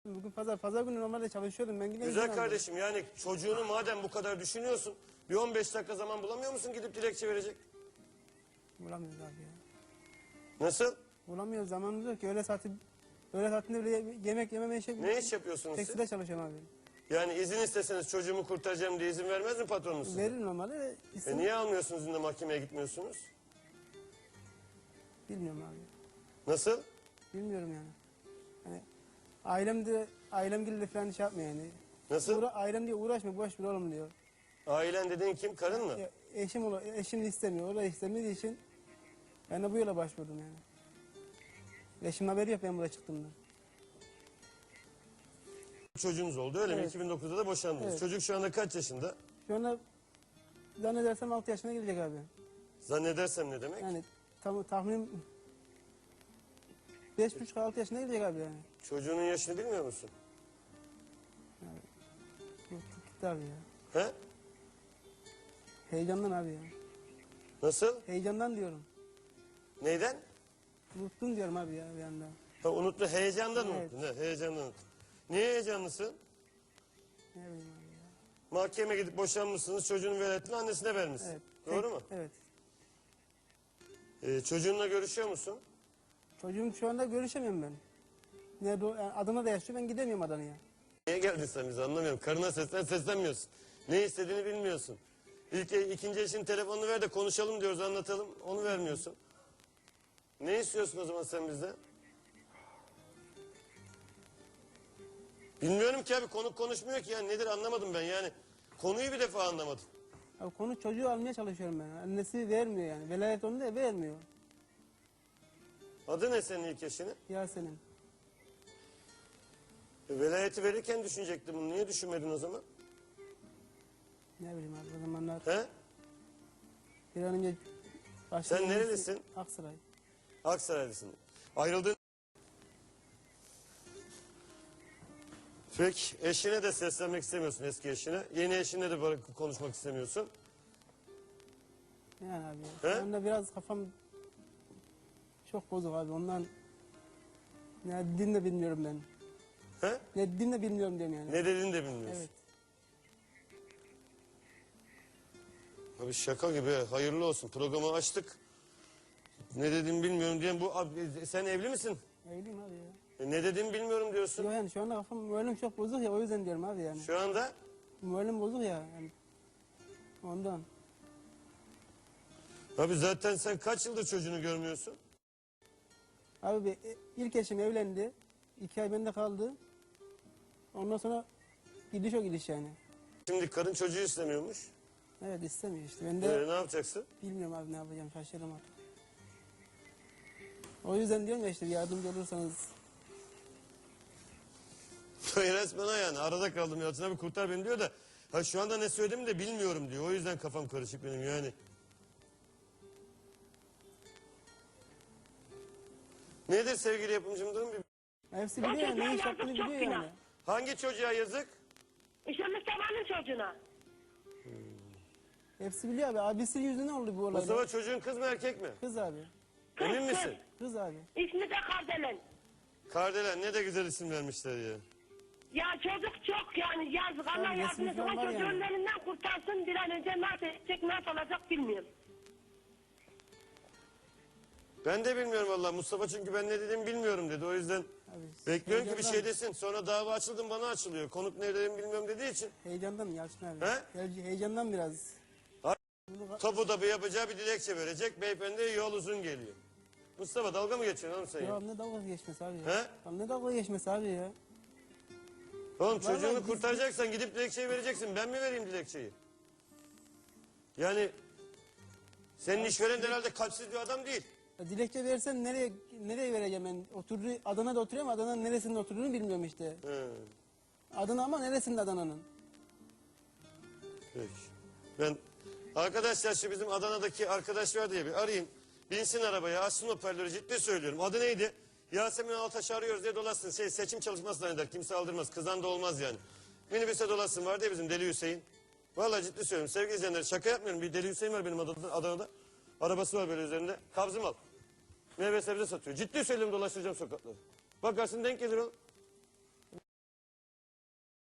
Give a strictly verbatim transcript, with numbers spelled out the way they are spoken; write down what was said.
Bugün pazar, pazar günü normalde çalışıyordum ben. Yine Güzel kardeşim, yani çocuğunu madem bu kadar düşünüyorsun, bir on beş dakika zaman bulamıyor musun gidip dilekçe verecek? Bulamıyoruz abi ya. Nasıl? Bulamıyoruz, zamanımız yok ki. Öğle saati, öğle saatinde bile yemek yememe işe... Ne iş yapıyorsunuz siz? Tekstilde çalışıyorum abi. Yani izin isteseniz çocuğumu kurtaracağım diye izin vermez mi patronunuz size? Verir normalde. İsim... E niye almıyorsunuz da mahkemeye gitmiyorsunuz? Bilmiyorum abi. Nasıl? Bilmiyorum yani. Hani ailem de, ailem gibi de falan şey yapmıyor yani. Nasıl? Uğra, ailem diye uğraşma, boş ver oğlum diyor. Ailen dediğin kim? Karın mı? Ya, eşim, ola, eşim istemiyor, o da istemediği için ben de bu yola başvurdum yani. Eşim haberi yok ben buraya çıktığımda. Çocuğunuz oldu öyle mi? Evet. iki bin dokuzda da boşandınız. Evet. Çocuk şu anda kaç yaşında? Şu anda zannedersem altı yaşına gelecek abi. Zannedersem ne demek? Yani tam, tahminim beş buçuk altı yaşına gelecek abi yani. Çocuğunun yaşını bilmiyor musun? Gitti abi ya. He? Heyecandan abi ya. Nasıl? Heyecandan diyorum. Neyden? Unuttum diyorum abi ya bir anda. Ha, unuttu. Heyecandan Evet. unuttun. He, heyecandan unuttun. Niye heyecanlısın? Ne bileyim abi ya. Mahkemeye gidip boşanmışsınız. Çocuğun velayetini annesine vermişsin. Evet. Doğru Tek- mu? Evet. Ee, çocuğunla görüşüyor musun? Çocuğum şu anda görüşemiyorum ben. Nerede o? Yani Adana'da yaşıyor, ben gidemiyorum Adana'ya. Niye geldin sen bize anlamıyorum. Karına seslen seslenmiyorsun. Ne istediğini bilmiyorsun. İlk, ikinci eşin telefonunu ver de konuşalım diyoruz, anlatalım. Onu vermiyorsun. Ne istiyorsun o zaman sen bizden? Bilmiyorum ki abi, konuk konuşmuyor ki yani, nedir anlamadım ben yani. Konuyu bir defa anlamadım. Abi konu çocuğu almaya çalışıyorum ben. Annesi vermiyor yani. Velayet onu da vermiyor. Adı ne senin ilk eşinin? Yasemin. E, velayeti verirken düşünecektin bunu. Niye düşünmedin o zaman? Ne bileyim abi o zamanlar He? bir an önce... Sen nerelisin? Aksaray. Aksaraylısın. Ayrıldığın... Peki eşine de seslenmek istemiyorsun, eski eşine. Yeni eşine de böyle konuşmak istemiyorsun. Yani abi He? şu anda biraz kafam çok bozuk abi ondan ne dediğini de bilmiyorum ben. He? Ne dediğini de bilmiyorum diyorum yani. Ne dediğini de bilmiyorsun. Evet. Abi şaka gibi, hayırlı olsun. Programı açtık. Ne dediğimi bilmiyorum diyen bu... Abi, sen evli misin? Evliyim abi ya. E, ne dediğimi bilmiyorum diyorsun. Yok yani şu anda kafam moralim çok bozuk ya o yüzden diyorum abi yani. Şu anda... Moralim bozuk ya yani. Ondan. Abi zaten sen kaç yıldır çocuğunu görmüyorsun? Abi bir- ilk eşim evlendi. İki ay bende kaldı. Ondan sonra gidiş o gidiş yani. Şimdi karın çocuğu istemiyormuş. Evet istemiyor işte. Ben de Ee, ne yapacaksın? bilmiyorum abi ne yapacağım şaşırdım artık. O yüzden diyorum ya işte yardımcı olursanız. Resmen o yani. Arada kaldım Yalçın abi, kurtar beni diyor da. Ha şu anda ne söylediğimi de bilmiyorum diyor. O yüzden kafam karışık benim yani. Nedir sevgili yapımcım? Durun bir... Hepsi biliyor yani ne iş yaptığını biliyor yani. Hangi çocuğa yazık? İşte Mustafa'nın çocuğuna. Hepsi biliyor abi. Abisi yüzünden oldu bu olaylar. Mustafa çocuğun kız mı erkek mi? Kız abi. Kız, Emin kız. misin? Kız abi. İsmi de Kardelen. Kardelen, ne de güzel isim vermişler ya. Ya çocuk çok yani yazık. Allah Tabii, yardım resmi etsin. O falan var çocuğun yani. elinden kurtarsın. Bir an önce nasıl edecek, nasıl olacak bilmiyorum. Ben de bilmiyorum vallahi Mustafa, çünkü ben ne dediğimi bilmiyorum dedi. O yüzden Abi, bekliyorum ki bir heyecandan- şey desin. Sonra dava açıldım, bana açılıyor. Konuk ne dediğimi bilmiyorum dediği için. Heyecandan Yalçın abi. He? He? Heyecandan biraz. Ha? Bunu- Topu da bir yapacağı bir dilekçe verecek. Beyefendi yol uzun geliyor. Mustafa dalga mı geçiyorsun oğlum sen Ya ya? ne dalga geçmesi abi ya. He? Ya ne dalga geçmesi abi ya. Oğlum çocuğunu biz- kurtaracaksan gidip dilekçeyi vereceksin. Ben mi vereyim dilekçeyi? Yani senin işveren de herhalde kalpsiz bir adam değil. Ya dilekçe versem nereye nereye vereceğim ben? Oturduğu Adana'da oturuyorum. Adana'nın neresinde oturduğunu bilmiyorum işte. He, Adana ama neresinde Adana'nın? peki. Ben arkadaşlar şu bizim Adana'daki arkadaş var diye bir arayayım. Binsin arabaya, açsın hoparlörü, ciddi söylüyorum. Adı neydi? Yasemin Altaş'ı arıyoruz diye dolaşsın. Şey, seçim çalışması zanneder. Kimse aldırmaz. Kızan da olmaz yani. Minibüse dolaşsın, var diye bizim Deli Hüseyin. Vallahi ciddi söylüyorum. Sevgili izleyenler, şaka yapmıyorum. Bir Deli Hüseyin var benim Adana'da. Adana'da. Arabası var böyle üzerinde. Kabzım al. Meyve sebze satıyor. Ciddi söylüyorum, dolaştıracağım sokakları. Bakarsın denk gelir o.